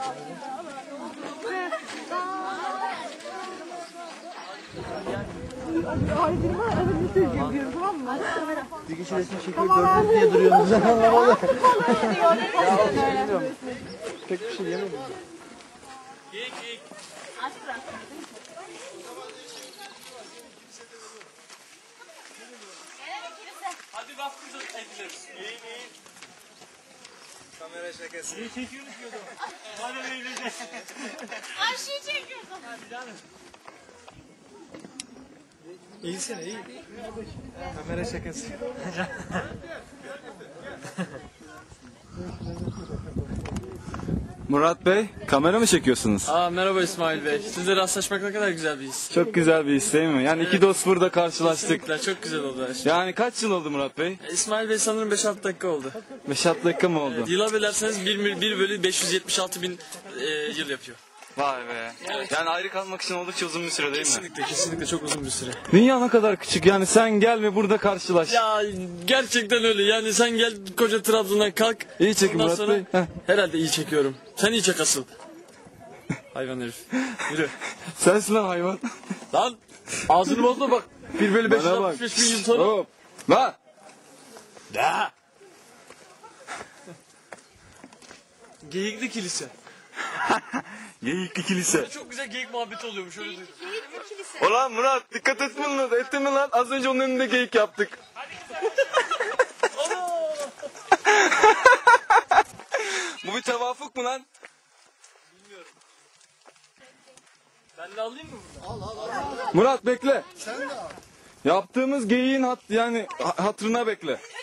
Bir kişi resim çekiyor gördünüz diye duruyorsunuz. Pek bir şey yemedim. Hadi bak kızım ediliriz. İyi. Kamera şakası. İyi çekiyoruz diyordum. Hadi evleneceğiz. Ayşe'yi çekiyorsun. Hadi canım. İyisin iyi. Kamera şakası. Murat Bey, kamera mı çekiyorsunuz? Merhaba İsmail Bey. Sizle rastlaşmak ne kadar güzel bir his. Çok güzel bir his değil mi? Yani iki dost burada karşılaştık. Kesinlikle çok güzel oldu her şey. Yani kaç yıl oldu Murat Bey? İsmail Bey sanırım 5-6 dakika oldu. 5-6 dakika mı oldu? Yıla bölerseniz 1 bölü 576 bin yıl yapıyor. Vay be. Yani ayrı kalmak için oldukça uzun bir süre değil mi? Kesinlikle çok uzun bir süre. Dünya ne kadar küçük, yani sen gel ve burada karşılaş. Ya gerçekten öyle. Yani sen gel koca Trabzon'dan kalk. İyi çekin Ondan Murat sonra Bey. Heh. herhalde iyi çekiyorum. Sen iyi çek asıl. Hayvan herif. Yürü. Sensin lan hayvan. Lan ağzını bozma bak. 1 bölü Bana bak. 565 bin yıl sonra. Hop. Lan. Da. Geyikli kilise. Geyikli kilise. Çok güzel geyik muhabbeti oluyormuş öyle duydum. Ulan Murat, dikkat etme lan. Ettin mi lan? Az önce onun önünde geyik yaptık. Bu bir tevafuk mu lan? Ben de alayım mı bunu? Murat bekle. Sen de al. Yaptığımız geyiğin hatırına bekle.